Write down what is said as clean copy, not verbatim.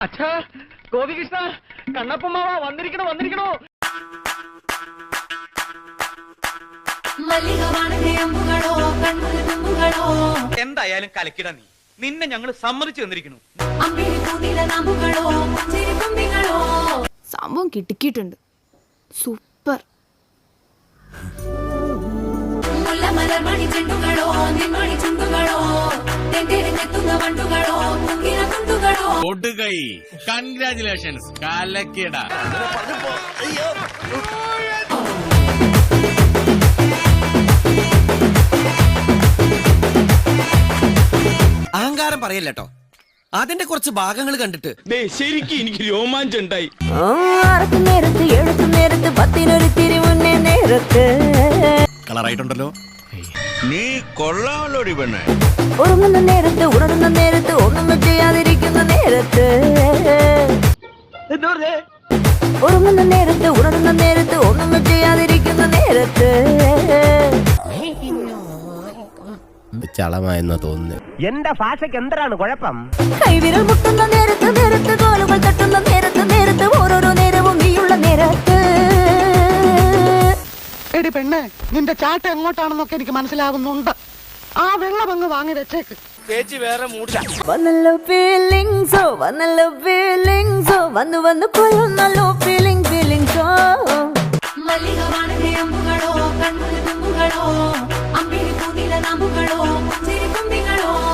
അച്ഛാ ഗോപികൃഷ്ണ കണ്ണപ്പമ്മാവ വന്നിരിക്കണോ വന്നിരിക്കണോ. എന്തായാലും കലക്കിട നീ, നിന്നെ ഞങ്ങൾ സമ്മതിച്ചു തന്നിരിക്കുന്നു. സംഭവം കിട്ടിക്കിട്ടുണ്ട്. സൂപ്പർ. കൺഗ്രാറ്റുലേഷൻസ് കലക്കിട. അഹങ്കാരം പറയല്ലോ, അതിന്റെ കുറച്ച് ഭാഗങ്ങൾ കണ്ടിട്ട് ശരിക്കും എനിക്ക് രോമാഞ്ചം ഉണ്ടായി. കളറായിട്ടുണ്ടല്ലോ. നീ കൊള്ളാമല്ലോടി പെണ്ണെ. ഉറങ്ങുന്ന നേരത്ത് ഉണരുന്ന നേരത്ത് ഒന്നും ചെയ്യാതിരിക്കുന്ന നേരത്ത് ഉറങ്ങുന്ന നേരത്ത് ഉണരുന്ന നേരത്ത് ഒന്നും ചെയ്യാതിരിക്കുന്ന നേരത്ത് ചളമായെന്നാ തോന്നുന്നു. എന്റെ ഭാഷയ്ക്ക് എന്താണ് കുഴപ്പം? കൈവിരൽ മുട്ടുന്ന നേരത്ത് നേരത്ത് കാലുകൾ തട്ടുന്ന നേരത്ത് നേരത്ത് ഓരോരോ നേരവും നീയുള്ള നേരത്ത്. എടി പെണ്ണെ, നിന്റെ ചാട്ട എങ്ങോട്ടാണെന്നൊക്കെ എനിക്ക് മനസ്സിലാകുന്നുണ്ട്. ആ വെള്ളം അങ്ങ് വാങ്ങി വെച്ചേക്ക്. ചേച്ചി വേറെ മൂടില്ല. വന്നല്ലോ ഫീലിങ്സോ വന്നല്ലോ ഫീലിങ്സോ വന്നു വന്നു കൊള്ളുന്നല്ലോ ഫീലിങ്സോ. മല്ലികവാണ